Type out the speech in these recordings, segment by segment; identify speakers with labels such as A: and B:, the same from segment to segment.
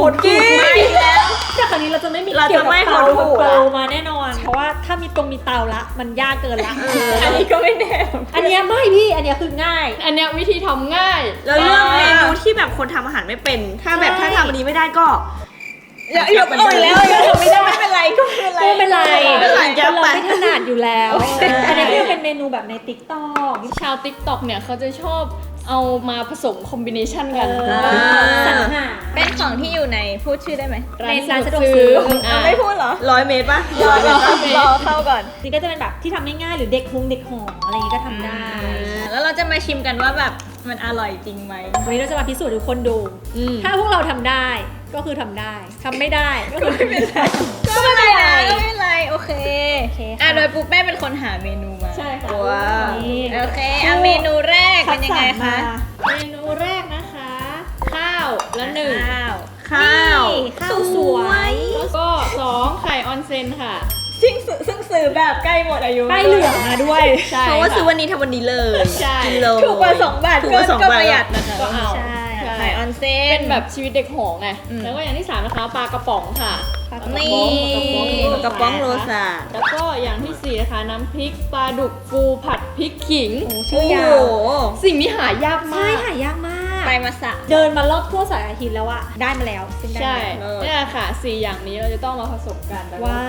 A: ดกิน
B: แล้ว
C: แต่คราวนี้เราจะไม่มี
A: เราจะไม่
C: เกี่ยวกับ
A: โหด
C: เตา
A: ละ
C: มาแน่นอน เพราะว่าถ้ามีเตาละมันยากเกินละ
B: อันนี้ก็ไม่แน่
C: อันเนี้ยไม่พี่อันเนี้ยคือง่าย
B: อันเนี้ยวิธีทำง่าย
A: แล้วเลือกเมนูที่แบบคนทำอาหารไม่เป็น ถ้าแบบถ้าทำอันนี้ไม่ได้ก็
B: อย่าอ่อนแล้วอย่าทำไม่ได้ไม่เป็นไรก็ไม่เป็นไร
C: ไม่เป็นไร
A: ไม่เป็นไร
C: เราไม่ถนัดอยู่แล้วอันนี้ก็เป็นเมนูแบบในติ๊กต็อก
B: ชาว TikTok เนี่ยเขาจะชอบเอามาผสมคอมบิเนชันกัน
C: สั่งหา
D: เป็นของที่อยู่ในพูดชื่อได้ไหม
C: ในร้านสะดวกซื้อ
D: ไม่พูดเหรอ
A: 100 เมตรป่ะ
D: รอเข้าก่อน
C: นี่ก็จะเป็นแบบที่ทำง่ายๆหรือเด็กหออะไรอย่างงี้ก็ทำได้
D: แล้วเราจะมาชิมกันว่าแบบมันอร่อยจริงไหม
C: วันนี้เราจะมาพิสูจน์ทุกคนดู ถ้าพวกเราทำได้ก็คือทำได้ทำไม่ได้ก็คือไม่เป็นไร
D: ก็ไม่เป็นไรก็ไม่เป็นไรโอเค
C: โอเคค่ะ
D: โดยปุ๊บแม่เป็นคนหาเมนูมา
B: ใช่ค่ะ
A: ว้าว
C: นี่
D: โอเคเมนูแรกเป็นยังไงคะ
B: เมนูแรกนะคะ ข้าวละหนึ่ง
D: ข้าว
A: ข้าว
C: ข้าวสวย
B: แล้วก็2ไข่ออนเซนค่ะ
D: ซึ่งซื้อแบบใกล้หมดอายุ
C: ใบเหลืองมาด้วย
B: ใช่
A: เพราะว่า
B: ค่ะ
A: ซื้อวันนี้ทำวันนี้เลย
B: ใช่
A: กินเลย
D: ถูกกว่า2 บาท
A: ถูกกว่า2
D: ก็
A: บาท
D: ประหยัดนะคะ
B: ก็เอา
C: ใช่
D: ไข่ออนเซน
B: เป็นแบบชีวิตเด็กหอไง
D: อืม
B: แล้วก็อย่างที่ 3 นะคะปลากระป๋องค่ะ
C: ปลากระป๋อง
D: นี่
A: กระป๋องโรซา
B: แล้วก็อย่างที่ 4 นะคะ น้ำพริกปลาดุกฟูผัดพริกขิง
C: โอ้
A: โอ้
C: ชื่อยา
A: โห
C: ว
B: สิ่งนี้หายาก
C: ใช่
B: มาก
C: หายากมาก
D: ไปมาสะ
C: เดินมารอบทั่วสายอาทิตย์แล้วอะได้มาแล้วซึ่งได้
B: ใช่
C: มาแล้ว
B: นี่แหละค่ะ 4 อย่างนี้เราจะต้องมาผสมกันแล้วก็
C: ว้าว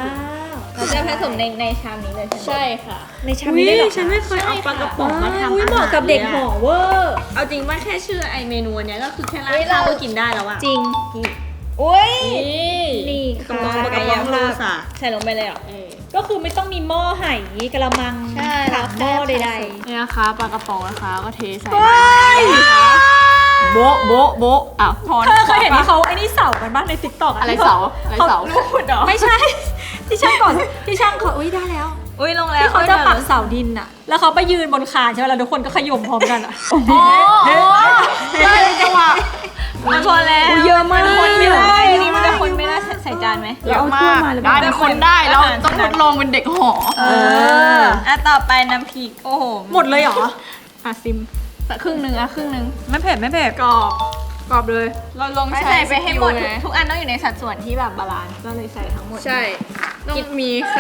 D: เราจะผสมในชามนี้เลยใช่ไหม
B: ใช่ค่ะ
C: ในชามนี้ได้เหรอ
A: ฉันไม่เคยเอาปลากระป๋องมาทำ
C: อุ๊ย
A: อา
C: เห
A: หาร
C: มาะกับเด็กหอเวอร์
A: เอาจริงว่าแค่ชื่อไอเมนูอันเนี้ยก็คือแค่ราดข้าวก็กินได้แล้วอะ
C: จริง
D: อุ้ย
B: นี่
C: นี่
A: กระ
C: ค่ะ
A: ป๋องปลากระป๋องโรซา
D: ใส่ลงไปเลยเหรอ
B: เออ
C: ก็คือไม่ต้องมีหม้อไหกระมัง
D: ใช่
C: ถังหม้อใด
B: นี่นะคะปลากระป๋องนะคะก็เทใส่โบ๊ะโบ๊ะโบ๊ะอ่ะพอ
C: ๆเธอเคยเห็นที่เขาไอ้นี่เสากันบ้างในติ๊กต็อก
B: อะไรเสาอะไรเสา
C: ไม่ใช่ ที่ช่างก่อนที่ช่างเขาอุ้ยได้แล้ว
D: อุ้ยลงแล้ว
C: ที่เขาจะปักเสาดินอะแล้วเขาไปยืนบนคานใช่ไหมแล้วทุกคนก็ขย่มพร้อมกันอะ
D: ได้จังหวะมันพอแล้ว
A: เยอะมาก
D: คนไม่ได้อันนี้มันจะคนไม่ได้ใส่จานไหม
B: เยอะมากได้เป็นคนได้เราต้องทดลองเป็นเด็กหอ
D: ต่อไปน้ำพริกโอ้โห
C: หมดเลยเหรอ
B: อ่ะซิมสักครึ่งหนึ่งอ่ะครึ่งหนึ่ง
A: ไม่เผ็ดไม่เผ็ด
B: กรอบกรอบเลย เราลอง
D: ไม่
B: ใช้
D: ใส่ไปให้หมด
B: สกิลไง
D: ทุกอันต้องอยู่ในสัดส่วนที่แบบบาลานซ์ก็เลยใส่ทั้งหมด
B: ใช่ต้องมีไข่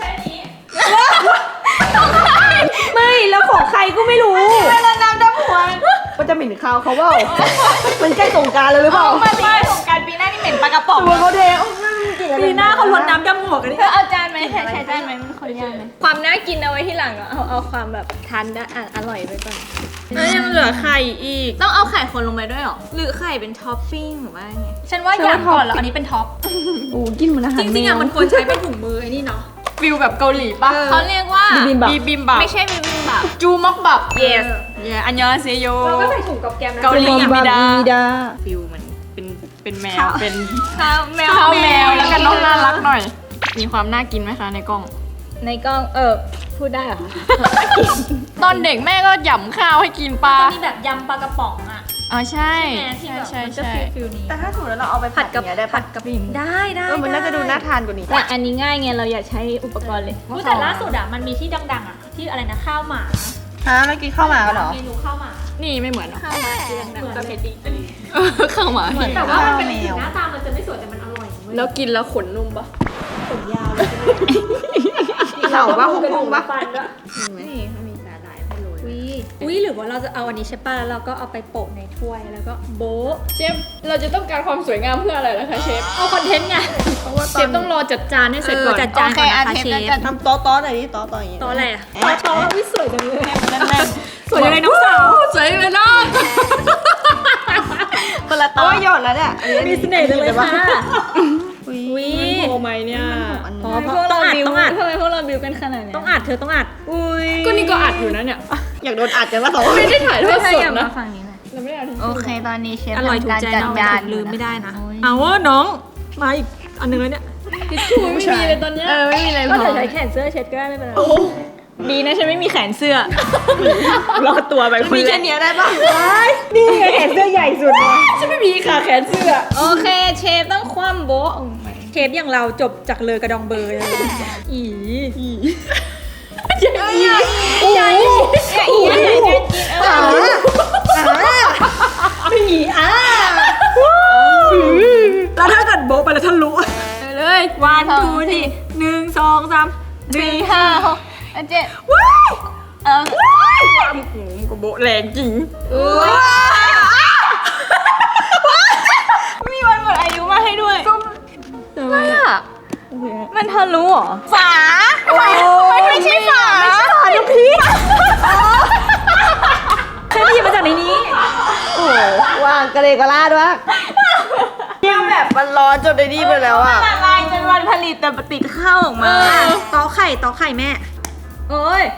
A: ไม่แล้วของใครก็ไม่รู้
D: แล้วน้ำดำหัว
A: มันจะเหม็นข้าวเขาเปล่ามันใกล้สงกรารเลยหรือเปล่า
D: มาปีสงการปีหน้านี่เหม็นปลากระป๋อง
A: ตัวเขาเทกลิ่นอะไร
C: ปีหน้าเขาลดน้ำดำหัวกันดิ
D: เธอเอาจานไหมใช้จานไหมมันคนยากไหมความน่ากินเอาไว้ที่หลังเอาความแบบทานได้อร่อยไปก่อน
A: แล้วยังเหลือไข่อีก
D: ต้องเอาไข่คนลงไปด้วยหรอหรือไข่เป็นท็อปปิ้งหรือว่าไง
C: ฉันว่าอย่างก่อนแล้วอันนี้เป็นท็อป
A: โอ้กินเหมือนอาหาร
C: จริงๆอะมันควรใช้เป็นถุงมือไอ้นี่เนาะ
B: ฟิลแบบเกาหลีป่ะ
D: เขาเรียกว่า
A: บิมบับ
B: บีบิมบับ
D: ไม่ใช่บิบิมบับ
B: จูม็อกบับ
D: yes
B: เยอันยองเซโย
C: เราก็ใส่ถุงกับแกมนะ
B: เกาหลี
A: บิมบับมีดา
B: ฟิลเหมือนเป็นแมวเป็น
D: ข้าวแมว
B: ข้าวแมวแล้วกันน้องน่ารักหน่อย มีความน่ากินไหมคะในกล้อง
D: ในกล้องพูดได้เหรอคะ
B: ตอนเด็กแม่ก็หย่ำข้าวให้กินปลา
C: มีแบบยำปลากระป๋องอะ
B: อ๋อใช่
C: ที่แบบ
B: ใช่
C: มันจะ
B: ใช่
C: ฟิลนี้
A: แต่ถ้าถูกแล้วเราเอาไปผัดกับได้
C: ผัดกับได้ได้
A: มันน่าจะดูน่าทานกว่านี้
D: แต่อันนี้ง่ายไงเราอยากใช้อุปกรณ์เลย
C: อุ๊ยแต่ล่าสุดอะมันมีที่ดังๆอะที่อะไรนะข้าวหมา
A: ฮะเมื่อกี้เข้ามากันเหรอ
C: เมนูข้าวหมา
B: นี่ไม่เหมือนหรอ
C: ข้าวหมาที่ดังๆประเภทดี
B: ข้าวหมา
C: แต่ว่ามันเป็น
A: ข้าวแมว
C: หน้าตามันจะไม่สวยแต่มันอร่อยเว้ย
B: แล้วกินแล้วขนนุ่มปะ
C: ขนยาวเลย
A: เข่าปะ
C: กระดู
A: ห
C: ก
A: งปะ
C: ฟันด้วย
D: นี่เขามีสาหร่ายให้โรย
C: อุ้ยหรือว่าเราจะเอาอันนี้ใช่ป่ะแล้วเราก็เอาไปโปะในถ้วยแล้วก็โบ๊ะ
B: เชฟเราจะต้องการความสวยงามเพื่ออะไรนะคะเชฟ
C: เอาคอนเทนต์ไง
B: เชฟต้องรอจัดจานให้เสร็จก่อน
C: จัดจานก่อนนะคะเชฟ
A: ทำโต๊ะหน่อยดิโต๊ะอย่างงี้
C: ต่ออะไรอ่ะต่อช้อนอุ้ยสวยจังเลย
A: แน่น
C: สวยยังไงน้องสาว
B: สวยเลยนะ
A: คนละโต๊ะหยดแล้วเนี่ย
C: มีเสน่ห์จังเลยค่ะ
A: อุ้
C: อุ้ย
B: โอไหมเนี่ย
C: พอ
D: พวก
C: ต้
D: เรา
C: องอัด
D: บิว
C: ต้องอัด
D: ทำไมพวกเราบิวกันขนาดนี้
C: ต้องอัดเธอต้องอัด
A: อุ้ย
B: ก็นี่ก็อัดอยู่นะเนี่ย
A: อยากโดนอัดจังว่าสอง
B: ไม่ได้ถ่ายทอด
D: ใช่
B: สด
D: อย่ามา
B: นะ
D: ฝั่งนี้หน่อย
B: เราไม่ได้อัด
D: โอเคตอนนี้เชฟ
C: อร่อยถูกใจ
D: จัด
C: น้อง
D: จาน
C: ลืมไม่ได้นะ
D: โอ้ย
C: เอาว่าน้องมาอีกอันนึงแล้วเนี่ย
B: ทิชชู่ไม่มีเลยตอนเนี้ย
D: ไม่มีอะไรพ
C: ก็
D: อ
C: เธอใช้แขนเสื้อเช็ดก็ได้ไม่เป็นไร
D: ดีนะฉันไม่มีแขนเสื้อ
A: รอดตัวไปคน
D: มี
A: แร
D: แค่
A: ก
D: เนี้ยได้ปะ
C: นี่ไงแขนเสื้อใหญ่สุดเลย
B: ฉันไม่มีขาแขนเสื้อ
D: โอเคเชฟต้องคว่ำโบ๊ะ
C: เชฟอย่างเราจบจากเลอกระดองเบอร์เลยอี
D: อย่าอีกิน
C: อีแล้วถ้า
A: โบ๊ะไปแล้วทะลุ
B: เลยวันทูที่1 2 3
D: 4 5 6 7
A: ว้าย
B: ความหูกระโบะแรงจริง
D: มีวันหมดอายุมาให้ด้วยอะไรอ่ะมันทะลุเหรอฝามันไม่ใช่ฝาลูกพี่
A: ฉันหยิบมาจากในนี้
E: โอ้โหวางกระเลกระลาดวะเนี่ยแบบมันร้อนจนได้นี่ไปแล้วอ่ะ
D: ละลายจนวันผลิตแต่ติดข้าวออกมา
A: ตอกไข่แม่
D: โอ้ย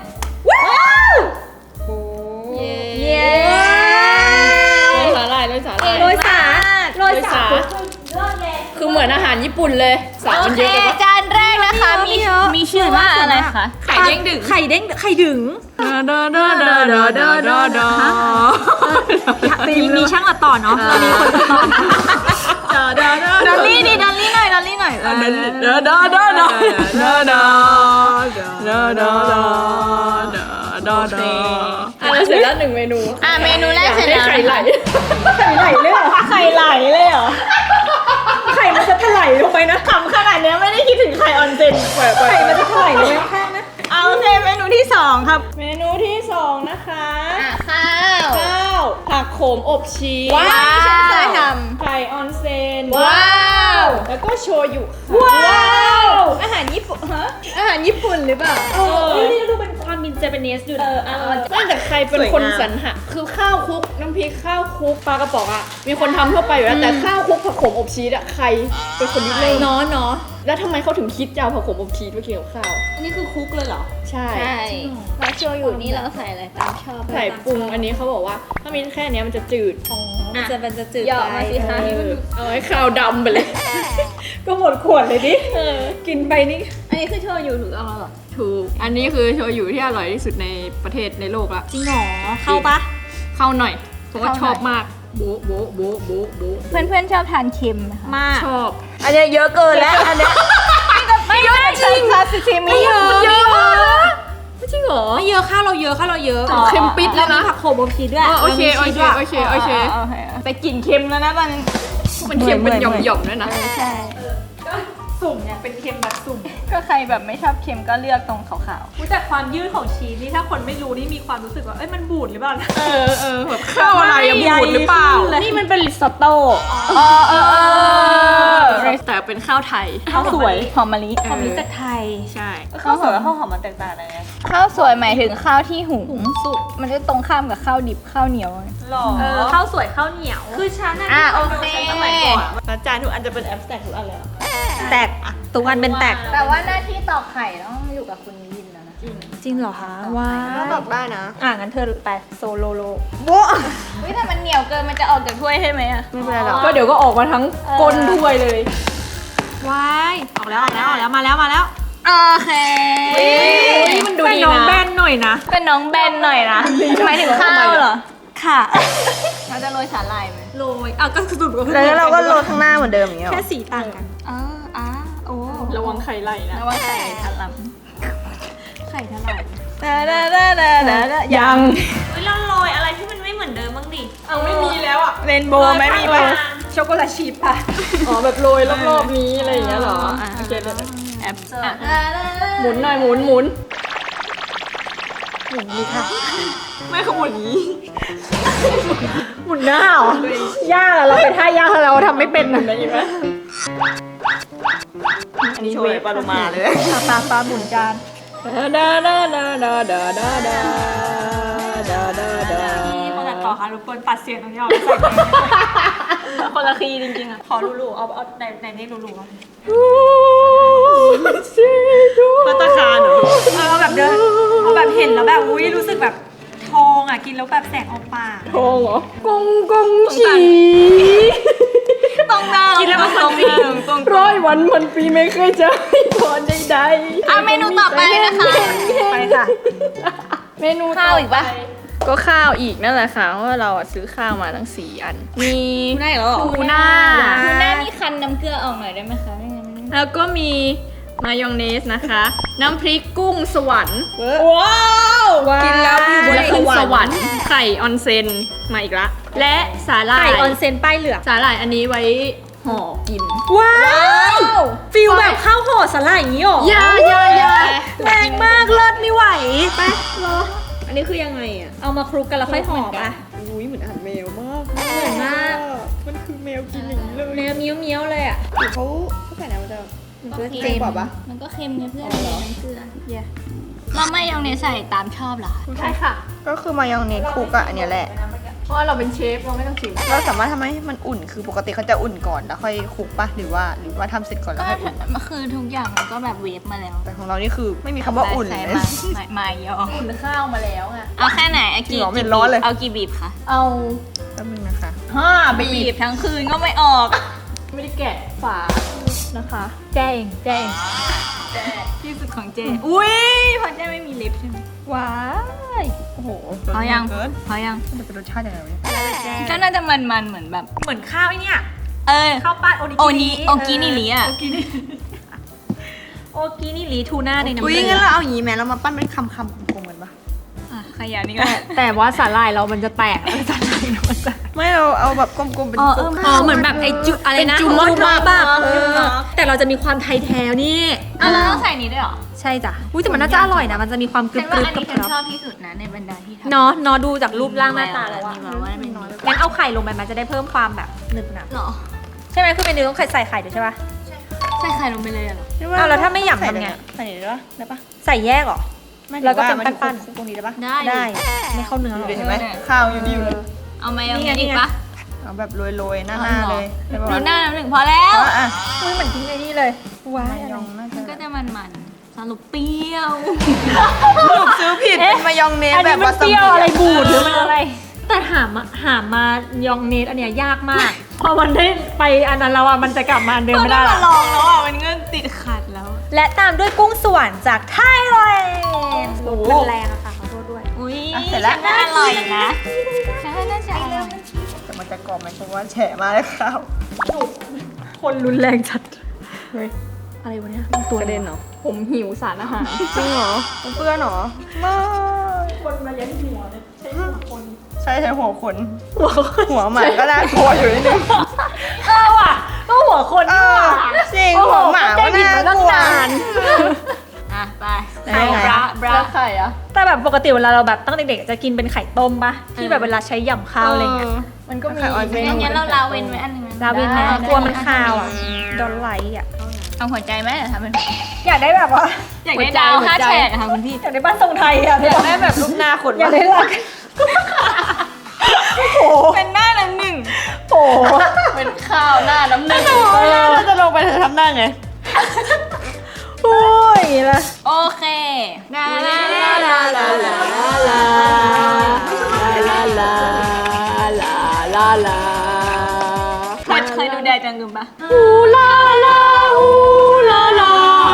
B: เย้สาหร่ายเลยสาหร่าย
A: โรยสา
B: โรยสาคือเหมือนอาหารญี่ปุ่นเลยสา
D: โอ
B: มัน
D: เค
B: เยอะไปปะ
D: จานแรกนะคะมีชื่อว่าอะไรคะ
B: ไข่เด้งดึง
A: ไข่ดึง
B: ดาดาดาดาดาดาดา
A: มีช่างตัดต่อเนาะมีคนตัดต่อ
D: ดอลลี่ดิดอลลี่หน่อยดอลลี่หน่อย
B: ดาดาดาดาดาดาดาดาดาดาดาเราเสร็จแล้ว1 เมนู
D: เมนูแรกเสร็จแล้ว
B: ไข่ไหล
A: ไข่ไหลเลยเหรอ
D: ไข่ไหลเลยเหรอ
A: ไข่มันจะถลายลงไปนะ
D: ขำขนาดเนี้ยไม่ได้คิดถึงไข่ออนเซน
A: ไข่มันจะถลายลงไปข้างๆนะ
D: เอาโอเคเมนูที่ 2 ครับ
B: เมนูที่2นะคะ
D: ข้าว
B: ข้าวผักโขมอบชีส
D: ว้าวฉันเคยท
B: ไข่ออนเซน
D: ว้าว
B: แล้วก็โชยุค่ะ
D: ว้าว
B: อาหารญี่ปุ่นฮะอาหารญี่ปุ่นหรือเปล่า
A: นี่ดูเป็นความมินเจแปนเนสอยู่นะ
B: นั่นแต่ใครเป็นคนสรรหาคือข้าวคลุกน้ำพริกข้าวคลุกปลากระป๋องอ่ะมีคนทำทั่วไปอยู่แล้วแต่ข้าวคลุกผักโขมอบชีสอ่ะใครเป็นคนริเริ่มเนาะแล้วทำไมเขาถึงคิดจะเอาผักโขมอบชีสมากินกับข้าว
A: อันนี้คือคุกเลยเหรอ
B: ใช่
D: ใช่แล้วโชยุนี่เราใส่อะไรตามชอบ
B: ใส่ปรุงอันนี้เขาบอกว่าถ้ามีแค่เนี้ยมันจะจืด
A: มันจะจืด
D: เหยาะมาสิคะ
B: เอาให้ข้าวดำไปเลย
A: ก็หมดขวดเลยดิกินไปนี่
D: อันนี้คือโชยุถูกต้องแล้วเหรอ
B: ถูกอันนี้คือโชยุที่อร่อยที่สุดในประเทศในโลกละ
A: จริงเหรอเข้าปะ
B: เข้าหน่อยเพราะว่าชอบมากโบ๊ะโบ๊ะโบ๊ะโบ๊ะโบ๊ะ
D: เพื่อนๆชอบทานเค็มไหมคะ
A: มาก
B: ชอบ
E: อันเนี้ยเยอะเกินแล้วอันเนี้ย
D: ไม่เยอะจริงซาซิชิมิ
B: เยอะไม่จริงเหรอ
A: ไม่เยอะข้าวเราเยอะ
B: เค็มปิดแล้วนะ
A: ผักโขมอบชีสด้วย
B: โอเคโอเคโอเคโอเค
D: แต่กลิ่นเค็มแล้วนะตอนนี้
B: มันเค็มเป็นหย่อมๆด้วยนะ
D: ใช่
A: สุ่มเนี่ยเป็นเค็มแบบสุ่ม
D: ก็ใครแบบไม่ชอบเค็มก็เลือกตรงขาว
A: อุ๊ยแต่ความยืดของชีสนี่ถ้าคนไม่รู้นี่มีความรู้สึกว่าเอ้ยมันบูดหรือเปล่านะ
B: แบบข้าวอะไรอะบูดหรือเปล่า
D: นี่มันเป็นริซอตโต้
B: แต่เป็นข้าวไทย
A: ข้าวสวย
D: หอมมะลิ
A: ความรู้จักไทย
B: ใช่
A: ข้าวสวยกับข้าวหอมมันแตกต่างกันไง
D: ข้าวสวยหมายถึงข้าวที่หุงสุกมันจะตรงข้ามกับข้าวดิบข้าวเหนียว
A: หรอข้าวสวยข้าวเหนียว คือฉันน่ะ
D: โอเค
A: สมัยก่อนอาจารย์ทุกอันจะเป็นแอปแตกทุกอันเลยแตกทุกอันเป็นแตก
D: แต่ว่าหน้าที่ตอกไข่ต้องอยู่กับคุณยินแล้วนะ
A: จริงเหรอคะว้า
E: ก็ตอบได้นะ
A: งั้นเธอไปโซโลโล
D: เฮ้ยแต่มันเหนียวเกินมันจะออกจากถ้วยใช่ไหมอะ
E: ไม่เป็นไรหรอก
B: ก็เดี๋ยวก็ออกมาทั้งก้นถ้วยเลย
A: ว้ายออกแล้วมาแล้ว
D: โอเค
B: นี่มันดู
A: เป็น
B: ดี
A: น้อง
B: นะ
A: แบนหน่อยนะ
D: เป็นน้องแบนหน่อยนะหมายถึงข้าวเหรอ
A: ค่ะ
D: เราจะโรยสาหร่ายไหม
A: โรยก็สรุปก็คือ
E: แล้วเราก็โรยข้างหน้าเหมือนเดิมอย่างเงี้ยหร
A: แค่
E: อ
A: สีต่างกัน
D: โอ้
B: ระวังไข่ไหลนะ
D: แล้วว่าไข่ทะลัก
A: ไข่เท่าไหร่
B: ยัง
A: เฮ้ยเราโรยอะไรที่มันไม่เหมือนเดิมบ้างดิ
B: เอาไม่มีแล้วอ่ะ
D: เรนโบว์ไหมมีไหม
A: ช็อกโกแลตชีสป่ะ
B: อ๋อแบบโรยรอบๆนี้อะไรอย่างเงี้ยเหรอโอเคเลยแอปหมุนหน่อยหมุนไม่ขมุนนี้
A: หมุนหน้าเหรอยากอะเราเป็นท่ายากเราทำไม่เป็นอะ
B: ได้ยินไหม
E: อันนี้โชยปลาโลมาเลย
A: ปลาหมุนจาน
B: ดาดาดาดาดาดาดาดาดาดา
A: นี่คนตัดต่อค่ะรบกวนตัดเสียงตรงนี้ออกใส่คนละคีย์จริงๆอะขอรูๆเอาในนี้รูๆพัตตาคารเหรอเอาแบบเดินเอาแบบเห็นแล้วแบบอุ้ยรู้สึกแบบทองอ่ะกินแล้วแบบแสงออกปาก
B: ทองเหรอกงฉี
D: ตรงหน้า
A: กินแล้วมันตรง
B: 100 วันพันปีไม่เคยจะให้พรใดๆ
D: เมนูต่อไปนะคะ
A: ไปค่ะ
B: เมนู
D: ข้าวอีกปะ
B: ก็ข้าวอีกนั่นแหละค่ะเพราะว่าเราซื้อข้าวมาทั้ง4 อัน มีทูน่า
D: ดูหน้ามีคันน้ำเกลือออกหน่อยได้ไหมคะไม่งั้น
B: แล้วก็มีมายองเนสนะคะ น้ำพริกกุ้งสวรรค์
A: ว้าวกินแล้วอยู่บน
B: และ
A: ส
B: กุ้ง
A: วร
B: ส
A: ร
B: วรร
A: ค์
B: ค์ไข่ออนเซนมาอีกละและสาหร่า
A: ไข่
B: ย
A: ออนเซนป้ายเหลือง
B: สาหร่ายอันนี้ไว้หห่อกิน
C: ว้าวฟิลแบบข้าวห่อสลายอย่างนี้หรอ
B: อย่า
C: แรงมากเลิศไม่ไหวไป
B: อันนี้คือยังไงอ่ะ
C: เอามาคลุกกันแล้วค่อยห่อปะ
B: อุ้ยเหมือนอาหารแมวมาก
C: เหมือนมาก
B: มันคือแมวกินอย่างนี้เลย
C: เนื้อเมี้ยวๆเลยอ่ะ
B: เขาใส่น้ำมันจะ
C: มันก็
B: เค็
C: เค็
B: ม
C: ม
B: กว่าปะ
D: มันก็เค็มไงเพื่อนเลยน้ำเกลือเราไม่ยองเนสใส่ตามชอบเหรอคะ
C: ใช่ค่ะ
E: ก็คือมายองเนสคลุกอะอันเนี้ยแหละ
B: เพราะว่าเราเป็นเชฟเราไม่ต้องชิม
E: เราสามารถทำให้มันอุ่นคือปกติเขาจะอุ่นก่อนแล้วค่อยคลุกปะหรือว่าทำเสร็จก่อนแล้ว
D: ก็
E: ค่อยอุ่น
D: มันคือทุกอย่างมันก็แบบเวฟมาแล้ว
E: แต่ของเรานี่คือไม่มีคำว่าอุ่น
D: ใส่
E: เลย
D: มายอง
B: อุ่นข้าวมาแล้วไง
D: เอาแค่ไหนเอา
E: จริ
D: กี่
E: งเหรอไม่ร้อนเลย
D: เอากี่บีบคะ
B: เอา
E: แป๊บนึงนะคะ
B: 5
D: บีบทั้งคืนก็ไม่ออก
B: ไม่ได้แกะฝานะคะ
C: แจ้งแจ้ง
D: ที่สุดของเจอุ้ยเพราะเจไม่มีลิปใช่ไหม
C: ว้าย
E: โอ้โห
D: พอยัง
E: เกิน
D: พอยัง
E: มันเป็นรสชาติยังไงวะเนี่ย
D: ก็น่าจะมันๆเหมือนแบบ
C: เหมือนข้าวไอ้เนี่ย
D: เออ
C: ข้าวปั้นโอ
D: โอ
C: นิ
D: นิโอกินิริอ่ะ
C: โอกินิโอกินิริทูน่าในน้ำ
E: อุ้ย
C: เกลื
E: งั้น
C: อ
E: เราเอาอย่างนี้ไหมเรามาปั้นเป็นคำกลมๆกันปะ
D: อ่ะขยันนี่ก็
C: แต่ว่าสาหร่ายเรามันจะแตกสาหร่ายมันจะ
E: ไม่เราเอาแบบกลมๆเป็น
D: อ๋อ
E: จุด
C: อ๋อเหมือนแบบไอจุดอะไรนะ
E: เป็นจุดมาก
C: แบบแต่เราจะมีความไทยแท้นี่
D: อ่ะเราต้องใส่นี้ด้วยเหรอ
C: ใช่จ้ะอุ้ยแต่มันน่าจะอร่อยนะ มันจะมีความกรึ
D: ฉั
C: บ
D: น
C: ก
D: ว่า
C: รึบ
D: อัน
C: กับ
D: นี้ฉันชอบที่สุดนะในบรรดาที่ทำ
C: เนาะดูจากรูปร่างหน้าตาแล้วอะ
D: นี่แบบว่าเป็นน้อย
C: งั้นเอาไข่ลงไปมันจะได้เพิ่มความแบบหนึบหนับ
D: หรอ
C: ใช่ไหมคือเมนูต้องใส่ไข่ด้วยใช่ปะ
D: ใส่ไข่ลงไปเลยเหรอ
C: เอาแล้วถ้าไม่หยำทำไง
E: ใส่ได้ปะได้ปะ
C: ใส่แยกเหรอ แล้วก็เป็นปั้นๆ
E: คลุกตรงนี้ได้ปะ
D: ได้
C: ได้ไม่เข้าเนื้อหรอ
E: เห็นไหมข้าวอยู่ดีอยู่เลย
D: เอามายองเนส
C: นี่
D: อีก
C: ไง
D: ปะ
E: เอาแบบโรยๆหน้า
D: อ๋อ
E: ๆเลยได้ปะ
D: ดู
E: วะ
D: หน้าน้ำหนึ่งพอแล้ว
E: อ่ะ
C: อุ้ยเหมือนกินไอ้นี่เลยว้าย
E: มายองน่าจะ
D: มันก็จะมันๆสรุปเปรี้ยว
E: สรุปซื้อผิดเป็นมายองเนส
C: อัน
E: แบ
C: นี้
E: บ
C: มัน
E: วา
C: เป
E: ซาบิ
C: รี้ยวอะไรบูดหรือมันอะไร แต่หามายองเนสอันเนี้ยยากมาก พอมันได้ไปอันนั้นแล้วอ่ะมันจะกลับมาอันเดิม
D: ก็
C: ไม่
D: ได้
C: ได้
D: มาลองแล้วอ่ะมันก็ติดขัดแล้ว
C: และตามด้วยกุ้งสวรรค์จากไทยแลนด์มันแรงอะค่ะขอโทษด้วย
D: อุ้ย
E: เสร็จแล้ว
D: ฉันว่าอร่อยนะฉันว่าน่าจะอร่อย
E: แต่มันจะกรอบไหมเพราะว่าแฉะมากเลยข้าว
C: คนรุนแรงจัดเฮ้ยอะไรวะเนี่ยตัว
E: กระเด็นเหรอ
B: ผมหิวสารอาหาร
E: จริงเหรอมันเปื้อนเหรอไม่
C: คนมาเลี้ยงหัวเลยใช้หัวคน
E: ใช่หัวขนหัวหมาก็น่ากลัวอยู่นิดนึง
C: ว่ะก็หัวคน
E: เอ
C: นี่
E: อ
C: ว่ะ
E: จริงหัวหมาก็น่ากลัว
D: อ่ะไป
E: ได้ไง
D: บราบรา
B: แล้วไข่อะ
C: แต่แบบปกติเวลาเราแบบตั้งเด็กๆจะกินเป็นไข่ต้มปะที่แบบเวลาใช้ยำข้าวอะไรเงี้ย
B: มันก็มี
E: ไข่ออยเม
D: งั้นเราลาเวนไว้อันหนึงนะ
C: ลาวินนะกลัวมันคาวอ่ะดอนไลท์อ่ะ
D: เอาหัวใจไหมเดี๋ยวทำเป็น
C: อยากได้แบบว่า
D: อยากได้ดาวห้าแฉกค่ะคุณพี่
C: อยากได้บ้านทรงไทยอ่ะ
E: อยากได้แบบรูปหน้าขน
C: อยากได้หลัก
D: เป็นหน้าน้ำหนึ่ง
C: โอ้
B: เป็นข้าวหน้าน้ำหนึ่ง
E: เราจะลงไปทำหน้าไง
C: โอ้ยละ
D: โอเคลาลาลาลาลาลา เคยดูแดจังกึมปะ
C: ฮูลาลาฮูลาลา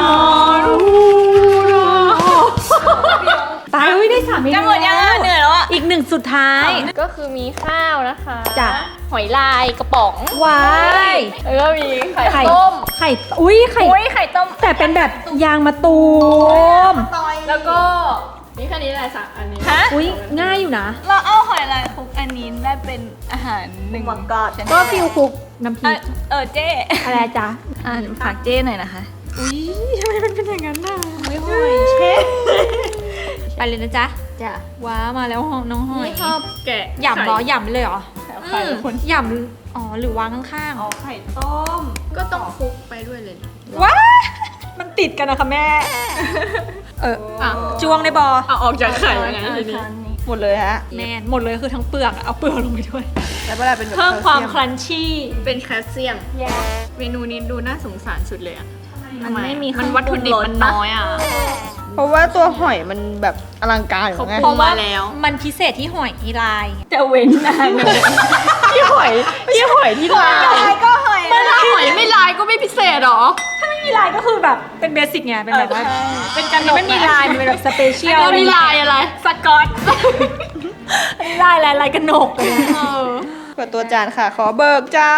C: ตายอุ้ยได้3เมนู
D: จะหมดยังอ่ะเหนื่อยแล้วอ่ะ
C: อีกหนึ่งสุดท้าย
B: ก็คือมีข้าวนะคะ
C: จ้ะ
B: หอยลายกระป๋อง
C: ว้าย
B: แล้วก็มีไข่ต้ม
C: ไข่อุ้ยไข่
D: อุ้ยไข่ต้ม
C: แต่เป็นแบบยางมะตูม
B: แล้วก็มีแค่นี้แหละสักอันนี้
D: ฮะ
C: อุ้ยง่ายอยู่นะ
D: เราเอาหอยลายคลุกอันนี้ได้เป็นอาหารหนึ่ง
E: มังกร
C: ก็ฟิลคุกน้ำพริก
D: เจ๊
C: อะไรจ๊ะ
D: ฝากเจ๊หน่อยนะคะ
C: อุ้ยทำไมมันเป็นอย่างนั้นน่ะ
D: ไม่หอยเชฟ
C: ไปเลยนะจ๊ะ
B: จ้ะ
C: ว้ามาแล้วน้องหอย
B: ไม่ชอบแกะ
C: หยำเหรอหยำเลยเหรอ
B: ไข่คน
C: หยำอ๋อหรือวางข้างๆ
B: ไข่ต้ม ก็ต้องคลุกไปด้วยเลย
C: ว้ามันติดกันนะคะแม่
B: อ่ะ
C: จวงในบอ
B: เอาออกจากไข่ยังไงทีนี้
E: หมดเลยฮะ
C: แมนหมดเลยคือทั้งเปลือกอะเอาเปลือกลงไปด้วย
E: แล้วเวลาเป็นแบบ
C: เพิ่มความค
E: แลเซีย
C: รันชี่
B: เป็นแคลเซียม เมนูนี้ดูน่าสงสารสุดเลยอะ
D: มันไม่มี
B: มันวัตถุดิบมันน้อยอ่ะ
E: เพราะว่าตัวหอยมันแบบอลังการอยู่ไง
B: เพราะว่าแล้ว
C: มันพิเศษที่หอยอีลาย
D: จะเว้นนานเลย
E: ที่หอยที่ลาย
D: ก็หอย
B: ถ้าหอยไม่ลายก็ไม่พิเศษหรอ
C: ถ้าไม่มีลายก็คือแบบเป็นเบสิกไงเป็นแบบว่าเป็นการไม่มีลายมันเป็นแบบสเปเชียล
B: แล้วนี่ลายอะไร
C: สกอตอันนี้ลายอะไรลายกระหนกเลยนะ
E: เปิดตัวจานค่ะ ขอเบิกจาน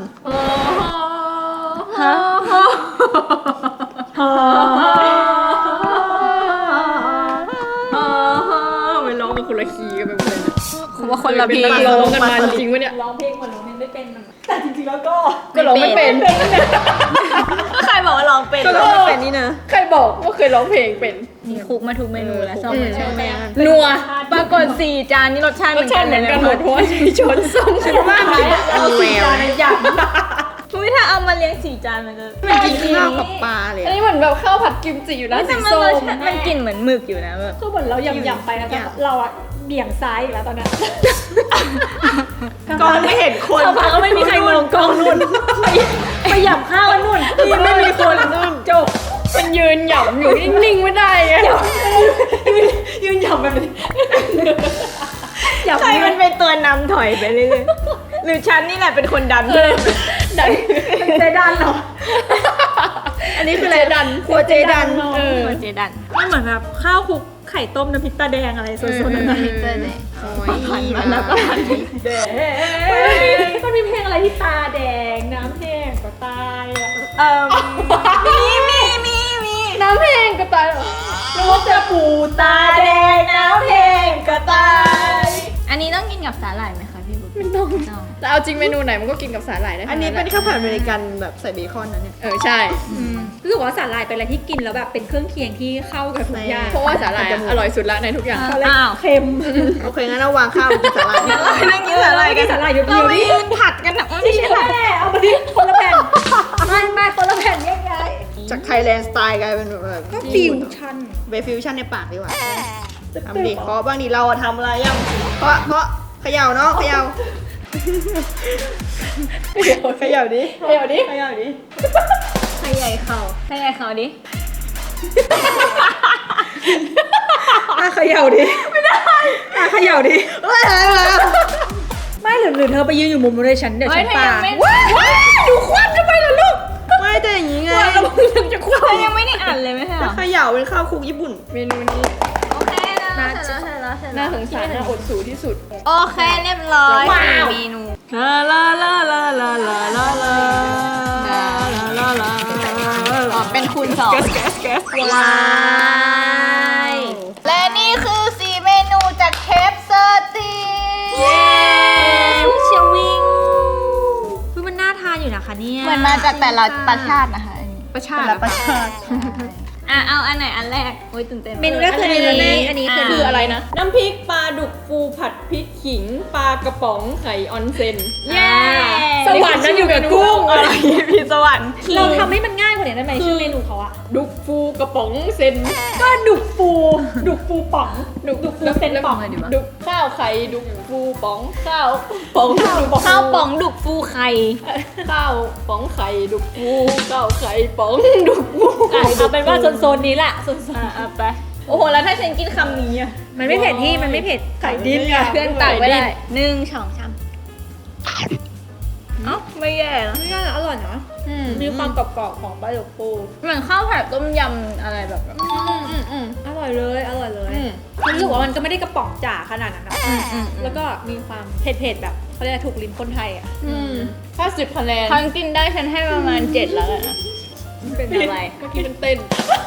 C: ฮะ
B: ไปร้องกับคนละคีย์กันไปหมดเลย
C: โค
D: ว่าคนละเพลง
B: ร้องกันมาจริงวะเนี่ย
C: ร้องเพลงเหมือนร้องเพลงไม่เป็นแต่จริงๆแล้วก็
B: ก็ร้องไม่เป็น
D: ใครบอกว่าร้องเป็น
B: ก็ร้องไม่เป็น
E: นี่นะ
B: ใครบอกว่าเคยร้องเพลงเป็น
D: มีคุกมาทุกเมนูแล้วชอบ
B: อืม
D: ชอบแม่
B: นัว
D: ปรากฏ4 จานนี่รสชาติ
B: รสชาติเหมือนกันหมดเพราะว่าใช้ช้อนส้อมใช่ไหม
C: เอาสีจานอยาก
D: อุ้ยถ้าเอามาเลี้ยง4 จานมันจะ
E: มันกินข้าวกับปลาเลย
B: อันนี้เหมือนแบบข้าวผัดกิมจิอยู่นะ
D: แต่
B: สี
D: มัน
B: ส้
D: รส
B: ม
D: ชาติมันกลิ่นเหมือนหมึกอยู่นะแบบ
C: คือเหมือนเรายำๆไปนะแต่เราอะเบี่ยงซ้ายอีกแล้วตอนนั้น
E: กองไม่เห็นคน
C: สักพักก็ไม่มีใครมองกล้องนู่นไปหยำข้าวกันนู่นมันไม่มีคนนู่นจบ
B: มันยืนหย่ำอยู่นิ่งๆไม่ได้ไง
C: ยืนหยำแบบนี้หยำ
D: ใครมันเป็นตัวนำถอยไปเรื่อยๆหรือฉันนี่แหละเป็นคนดัน
B: ดัน
C: เจดันเหรอ
B: อันนี้คืออะไรดัน
E: ครัวเจดัน
B: เออ
D: เจดัน
C: มันเหมือนแบบข้าวคลุกไข่ต้มน้ำพริกตาแดงอะไรโซนๆนั้นนะ
D: เจอเลย
E: โอ้ย
D: มันแล้วก็หัน
C: มันมีเพลงอะไรที่ตาแดงน้ำแห้งก็ตายอะ
D: มี
B: น้ำเพลงก็ตายเหรอ
C: นึกว่าจะปูตาแดงน้ำแห้งก็ตาย
D: อันนี้ต้องกินกับสาหร่ายไหมคะพี่บุ๊ค
B: ไม่ต้องแต่เอาจริงเมนูไหนมันก็กินกับสาหร่ายได้
E: อันนี้เป็นข้าวผัดอเมริกันแบบใส่เบคอนนะเนี่ย
B: ใช่
C: รู้สึกว่าสาหร่ายเป็นอะไรที่กินแล้วแบบเป็นเครื่องเคียงที่เข้ากับทุกอย่าง
B: เพราะว่าสาหร่ายอร่อยสุดละในทุกอย่าง
C: เขาเลยเค็ม
E: โอเคงั้นเราวางข้าวกินสาหร่าย
D: นั่งกินสาหร่ายกัน
C: สาหร่ายเดียว
D: เรา
C: ๆ
D: ไป
C: นี่
D: ยืนผัดกันนะ
C: ไม่ใช่แม่เอามาดิคนละแผ่นไม่คนละแผ่นยังไง
E: จากไทยแลนด์สไตล์กลายเป็นแบบ
C: ก็ฟิวชั่น
E: เบฟิวชั่นในปากดีกว่าทำดิเพราะบางทีเราอะทำอะไรยังเพราะเขย่าเนาะเขย่าเขย่าดิ
B: เดี๋ยวดิ
E: เขย่าดิ
D: ใครใหญ่เขาดิ
C: เขย่าดิไม่ได้เขย่าดิไม่หรือเธอไปยืนอยู่มุมนู้นเลยฉันเดี๋ยวฉันปา
B: ดูควันทำไมล่ะลูก
E: ไม่แต่อย่างนี้ไง
B: แล้วมึงยังจะควัน
D: เรายังไม่ได้อ่านเลยไหมคะ
E: เขย่าเป็นข้าวคลุกญี่ปุ่น
B: เมนูนี้
D: โอเคนะเสร็จแล้ว
B: น่าสงสารน่าอดสูที่สุด
D: โอเคเรียบร้อย
B: ว้าว
D: เมนู
E: ลาลาลาลาลาลาลาลาลาลา
D: อ๋อเป็นคูณ2 ว้ายและนี่คือ4 เมนูจากเชฟเซอร์ตีเย้เชวิง
C: คือมันน่าทานอยู่นะคะเนี่ย
D: เหมือนมาจากแต่ละประชาตินะคะอันนี้
B: ประชาติ
E: ประชาติ
D: เอาอันไหนอันแรกโอ้ยตื่นเต้น
C: เมนูแรกคืออันนี้คือ
B: คืออะไรนะ น้ำพริกปลาดุกฟูผัดพริกขิงปลากระป๋องไข่ออนเซน
D: เย้
B: สวรรค์นั้นอยู่กับกุ้งอะไร
D: พี่สวรรค์
C: เราทำให้มันง่ายกว่านี้ได้ไหมชื่อเมนูเขาอะ
B: ดุกฟูกระป๋องเซน
C: ก็ดุกฟูป๋องดุกฟูเซนป๋อง
B: ดุกข้าวไข่ดุกฟูป๋องข้าวป๋องดุก
D: ข้าวป๋องดุกฟูไข่
B: ข้าวป๋องไข่ดุกฟูข้าวไข่ป๋องดุกฟู
C: เอาเป็นว่าโซนนี้แหละโซน
D: เอาไปโอ้โหแล้วถ้าฉันกินคำนี้อะ
C: มันไม่เผ็ดที่มันไม่เผ็ดไข่ดินไง
D: เพื่อนตักไม่ได้1 2 3เอ้าไม่แย่แล้ว
C: ไม่ได้อร่อยนะมีความกรอบๆของปลาดุกฟู
D: เหมือนข้าวผัดต้มยำอะไรแบบ
C: อร่อยเลยรู้สึกว่ามันก็ไม่ได้กระป๋องจ๋าขนาดนั้นนะแล้วก็มีความเผ็ดๆแบบเขาเรียกถูกลิ้นคนไทยอ่ะ
B: ถ้า10 คะแนน
D: ทั้งกินได้ฉันให้ประมาณ 7 แล้วกันนะเป็นอะไร
B: เมื่อกี้มันเต้น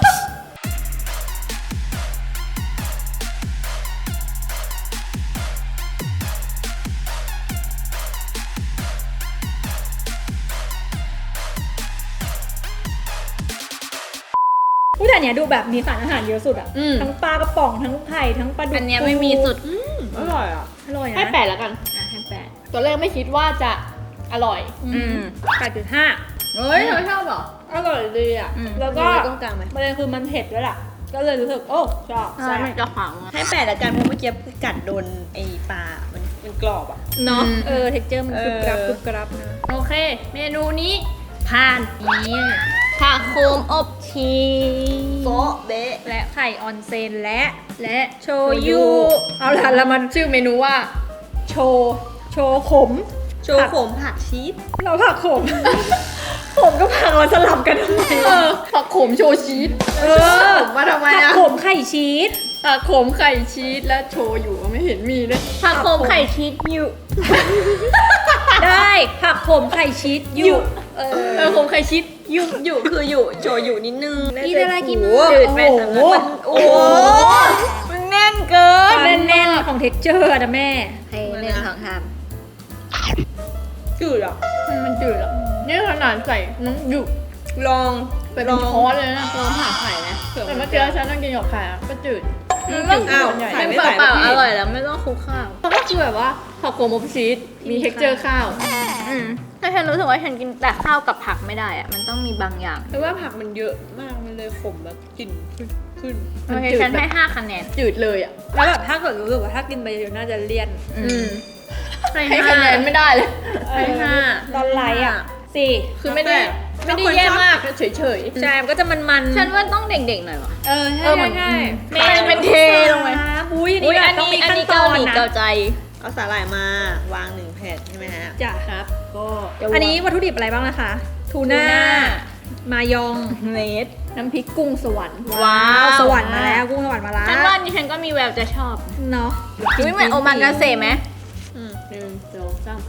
C: แต่อันเนี้ยดูแบบมีสารอาหารเยอะสุดอ่ะ
B: อืม
C: ทั้งปลากระป๋องทั้งไข่ทั้งปลาดุก
D: อันเนี้ยไม่มีสุด
B: อร่อยอ่ะ
C: อร่อยนะ
B: ให้8แล้วกัน
D: ให้8
B: ตัวแรกไม่คิดว่าจะอร่อย
C: 8.5
D: เฮ้ยเธอชอบเหรอ
C: อร่อยดีอ่ะแล้วก็
D: ตรงกลางไหม
C: ประเด็นคือมันเผ็ดด้วยล่ะก็เลยรู้สึกโอ้ชอบ
D: ใช่มันจะขวาง
E: ให้8ละกันเพราะเมื่อกี้กัดโดนไอ้ปลา มันกรอบอ่ะ
C: เนาะเท็กเจอร์มันกรุบกรับนะ
B: โอเค เมนูนี้ผ่าน
D: นี่ผักโคมอบชีส
E: โซะเบะ
C: และไข่ออนเซนและโชยุเอาล่ะแล้วมัน
B: ชื่อเมนูว่า
C: โชขม
E: โชว์ขมผักชีส
C: เราผักขม ผมก็ผักมาสลับกันทำไม
B: ผักโขมโชชีส
E: ผมมาทำไม
C: ผัก
E: อ่ะ
C: ขมไข่ชีส
B: ผักโขมไข่ชีสและโชอยู่ไม่เห็นมีเลย
D: ผักโคมไข่ชีสอยู่
C: ได้ผักขมไข่ชีสอยู่
B: โขมไข่ชีส
E: อยู่คืออยู่โชว์อยู่นิดนึง
C: กินอะไรกิน
E: โอ้
C: จืดไปสำหรับ
E: โอ้โห
D: มันแน่นเกิน
C: ความแน่นของเท็กเจอร์นะแม่
D: มสองสาม
E: จืดอ่ะ
B: มันจืดอ่ะนี่ขนาดใส่น้ำหยุก
E: ลอง
B: ไปเป็นช้อนเลยนะ
D: ลองผ่าไข่ไหม
B: แต่เมื่อกี้ฉันนั่งกินหยอกไข่อะก็จืด
E: อ้าว
B: ใหญ่
E: ไข่
D: เป็น
E: ไม่ใส่
D: เปล่า
E: พี่
D: ๆอร่อยแล้วไม่ต้องคลุกข้าว
B: ก็คือแบบว่าผักโขมอบชีสมี texture ข้าว
D: แต่ฉันรู้สึกว่าฉันกินแต่ข้าวกับผักไม่ได้อะมันต้องมีบางอย่าง
E: เพราะว่าผักมันเยอะมากมันเลยขมแบบกลิ่นขึ้น
D: โอเคฉันให้5 คะแนน
B: จืดเลยอ่ะ
C: แล้วแบบถ้าเกิดรู้สึกว่าถ้ากินไปเยอะน่าจะเลี่ยน
B: ให้คะแนนไม่ได้เลย
D: ให้ห้า
C: ตอนไลท์อ่ะสี่
B: คือไม่ได้แย่มากเฉย
C: ใช่มันก็จะมันๆ
D: ฉันว่าต้องเด็กๆหน่อยวะ
C: เออใช่ใช่
B: เป็นเทลงไป
C: อุ้ยอัน
D: อุ้
C: นี้
D: ย
C: แบ
D: อั
C: บ
D: น
C: ต้อง
D: นี้
C: มี
D: อัน
C: ขั้น
D: นี้
C: ต
D: เกา
C: อน
D: หลี
C: นะ
D: เกาใจ
E: เอาสาหร่ายมาวาง1 แผ่นใช่ไหมฮะ
C: จ้ะ
B: ครับ ก็
C: อันนี้วัตถุดิบอะไรบ้างนะคะ ทูน่า มายอง
D: เนส
B: น้ำพริกกุ้งสวรรค์
D: ว้าว
C: สวรรค์มาแล้วกุ้งสวรรค์มาแล้ว
D: ฉันว่าอันนี้ฉันก็มีแววจะชอบ
C: เนาะ
D: อุ้ยเหมือนโอมากาเสะไหม
B: 1 2 3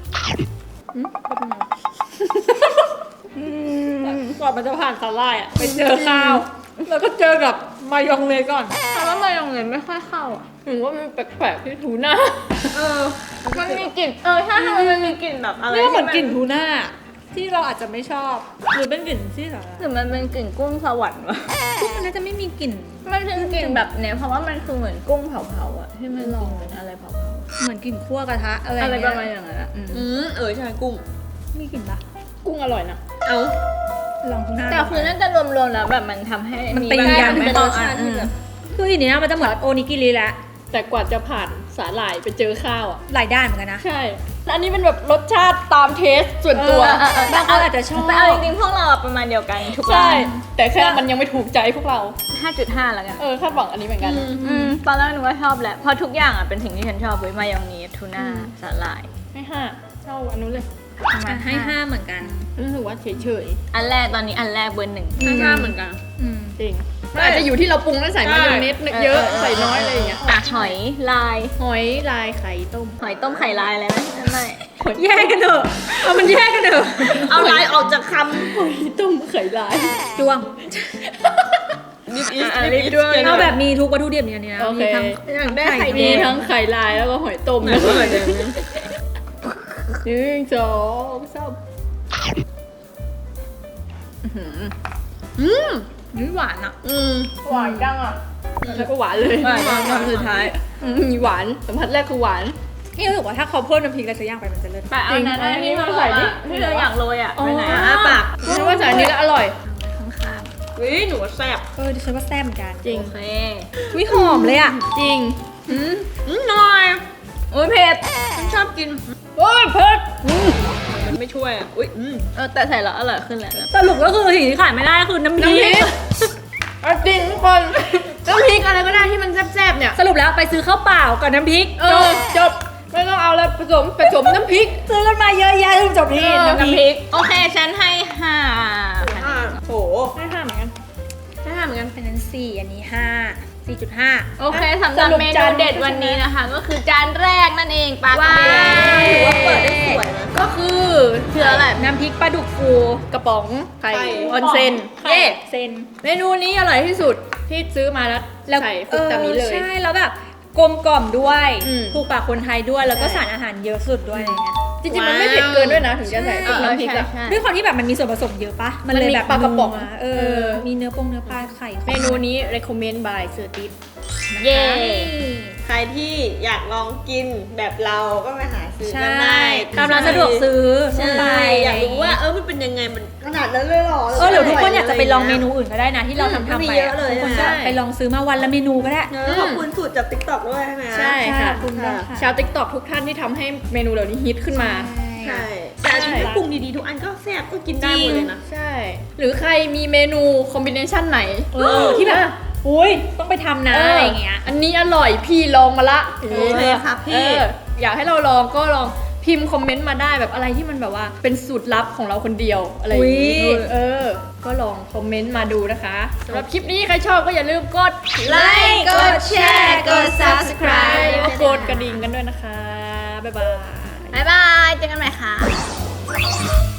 B: ก่อนมันจะผ่านสาหร่ายอ่ะไปเจอข้าว แล้วก็เจอกับมายองเนสก่อน
D: แต่ว่ามายองเนสไม่ค่อยเข้าอ่ะ
B: ถึงว่ามันแปลกๆที่ทูน่า
D: มันมีกลิ่นใช่มันมีกลิ่นแบบอะไร
C: นี่ก็เหมือนกลิ่นทูน่าที่เราอาจจะไม่ชอบ หรือเป็นกลิ่นที่แบบ
D: หรือมันเป็นกลิ่นกุ้งสวรรค์วะ
C: กุ้งมันน่าจะไม่มีกลิ่น
D: มันเป็นกลิ่นแบบเนี้ยเพราะว่ามันคือเหมือนกุ้งเผาๆอ่ะที่มันลองเป็นอะไรเผา
C: เหมือนกลิ่นคั่วกระทะอะไร
D: ๆอะไร
C: เงี้
D: ประมาณ
C: ย
D: อย่างนั้นอ่ะ
E: ใช่กุ้ง
C: มีกลิ่นปะ
B: กุ้งอร่อยนะ
E: เอา
C: ลองทูน่า
D: แต่คือน่าจะรวมๆแล้วแบบมันทำให้
C: มันตีกัน
D: เป็น
C: เป็น
D: ร
C: ร
D: ส
C: ส
D: ชา
C: ชา
D: ติ
C: ติ
D: ที่
C: ที่
D: แบ
C: แบบ บคือทีนี้มันจะเหมือนโอนิกิริแล้ว
B: แต่กว่าจะผ่านสาหร่ายไปเจอข้าวอ่ะ
C: หลายด้านเหมือนกันนะ
B: ใช่แล้วอันนี้เป็นแบบรสชาติตามเทสส่วนตัว
C: บางคนอาจจะชอบ
D: แต่เอาจริงๆพวกเราอะประมาณเดียวกันทุก
B: ใช่
D: ร้าน
B: แต่แค่มันยังไม่ถูกใจพวกเรา
D: 5.5 แล้วกัน
B: คาดหวังอันนี้เหมือนกัน
D: ตอนแรกนึกว่าชอบแหละเพราะทุกอย่างอ่ะเป็นสิ่งที่ฉันชอบเว้ยมายองเนสทูน่าสาหร่าย
B: ให้ห้าเท่าอันนู้นเลย
D: ประมาณ
C: ให้ห้าเหมือนกัน
B: รู้สึกว่าเฉย
D: อันแรกตอนนี้อันแรกเบอร์ 1
E: ให้5เหมือนกัน
B: ๆจริงมันอาจจะอยู่ที่เราปรุงแล้วใส่มายองเนสเยอะใส่น้อยอะไรอย่างเงี้ย
D: อ่ะหอยลาย
B: หอยลายไข่ต้ม
D: หอยต้มไข่ลายอะไรไหมไม่
C: แยกกันเถอะเอามันแยกกันเถอะ
E: เอาลายออกจากค
B: หอยต้มไข่ลาย
C: จ้วง
E: ำนิดอีส
B: รีบด้วย
C: เอาแบบมีทุกวัตถุดิบเนี่ยนะ
B: โอเค
C: มีทั้ง
E: อยากได้ไข่
B: มี
E: แดง
B: ทั้งไข่ลายแล้วก็หอยต้มแล้วก็หอยแดง1 2 3
C: นี่หวานอ่ะ
B: หวานจังอ่ะแล้วก็หวานเลย
E: คำสุดท้าย
B: มีหวานสัมผัสแรกคือหวาน
C: นี่รู้สึกว่าถ้าเขาเพิ่มน้ำพริกอะไรสักอย่างไปมันจะเลิศ
D: ไปเอานั้นนะที่เราใส่ดิที่เราอยากโรยอ่ะไปไหน
E: อ้าปาก
B: ฉันว่าใส่อันนี้แล้วอร่อย
D: ข้าง
E: วิหนูว่าแซ่บ
C: ดิฉันว่าแซ่บเหมือนกัน
B: จริง
D: ๆโอเค
C: วิหอมเลยอ่ะ
B: จริง
E: หน่อย
D: อุ้ยเผ็ด
E: ฉันชอบกิน
B: โอ้ยเผ็ด
E: มันไม่ช่วยอ่ะอุ้ย
D: แต่ใส่แล้วอร่อยขึ้นแหละ
C: สรุปก็คือสิ่งที่ขายไม่ได้คือน้ำพริก
B: เอาจริงทุกคนน้ำพริกอะไรก็ได้ที่มันแซ่บๆเนี่ย
C: สรุปแล้วไปซื้อข้าวเปล่ากับน้ำพริก
B: จบไม่ต้องเอาแล้วผสมน้ำพริก
C: ซื้อกันมาเยอะแยะจบที่น้ำพ
B: น้ำพ
C: ริ
B: ริ
C: ก
B: ก
D: โอเคฉันให้5
E: โห
B: ให้ห้าเหมือนกัน
C: ได้เหมือนกันเป็นนั้น4อันนี้5 4.5
D: โอเคสำหรับเมนูเด็ดวันนี้นะคะ ก็คือจานแรกนั่นเองปลากระเบน
E: ถือว่าเปิดได้สวยนะ
B: ก็คือ
D: คืออะไร
C: น้ำพริกปลาดุกฟู
B: กระป๋องไข่
E: ไข่
B: ออนเซน
C: เย่
B: เย่
C: เซน
B: เมนูนี้อร่อยที่สุดที่ซื้อมาแล้วใส่ฟุกตามนี้เลย
C: ใช่แล้วแบบกลมกล่อมด้วย
B: อืม
C: ถูกปากคนไทยด้วยแล้วก็
B: ใช่
C: สารอาหารเยอะสุดด้วยอะไรเงี้ย
B: จริงๆมันไม่เผ็ดเกินด้วยนะถึงจะใส่น้ำพริกอะ
D: ใช่
C: ด้วยความที่แบบมันมีส่วนผสมเยอะปะมันเลยแบบ
B: มันมีปลากระป๋อง
C: นัวมีเนื้อปลาไข่
B: เมนูนี้ recommend by เสือติด
D: เย้
E: ใครที่อยากลองกินแบบเราก็ไปหาซื้อ
C: ใช่
E: กันได้
C: ตามร้านสะดวกซื้อ
E: ใช่
C: ไป
E: อยากรู้ว่ามันเป็นยังไงมันขนาดนั้นเลยเหรอ
C: หรือทุกคนอยากจะไปลองเมนูอื่นก็ได้นะที่เราทำ
E: มี
C: ไป
E: เยอะเลย
C: ทุกคนก็
E: ใช่
C: ไปลองซื้อมาวันละเมนูก็ได้
E: ขอบคุณสูตรจาก TikTok ด้วยใช่ไหม
B: ใช่ค่ะ
C: ขอบคุณค่ะ
B: ชาวติ๊กต็อกทุกท่านที่ทำให้เมนูเหล่านี้ฮิตขึ้นมา
E: ใช่แต่อันนี้ปรุงดีๆทุกอันก็แซ่บก็กินได้หมดเลยนะ
B: ใช่ หรือใครมีเมนูคอมบิเนชันไหน
C: ที่แบบอุ้ยต้องไปทำนะอะไรเงี้ย
B: อันนี้อร่อยพี่ลองมาละ
E: โอเคค่ะพี่
B: อยากให้เราลองก็ลองพิมพ์คอมเมนต์มาได้แบบอะไรที่มันแบบว่าเป็นสูตรลับของเราคนเดียวอะไรอย่างนี้
C: อุ๊ย
B: ก็ลองคอมเมนต์มาดูนะคะสำหรับคลิปนี้ใครชอบก็อย่าลืมกด
E: ไลค์กดแชร์กด Subscribe
B: แล้วก็กดกระดิ่งกันด้วยนะคะบ๊ายบาย
D: บ๊ายบาย เจอกันใหม่ค่ะ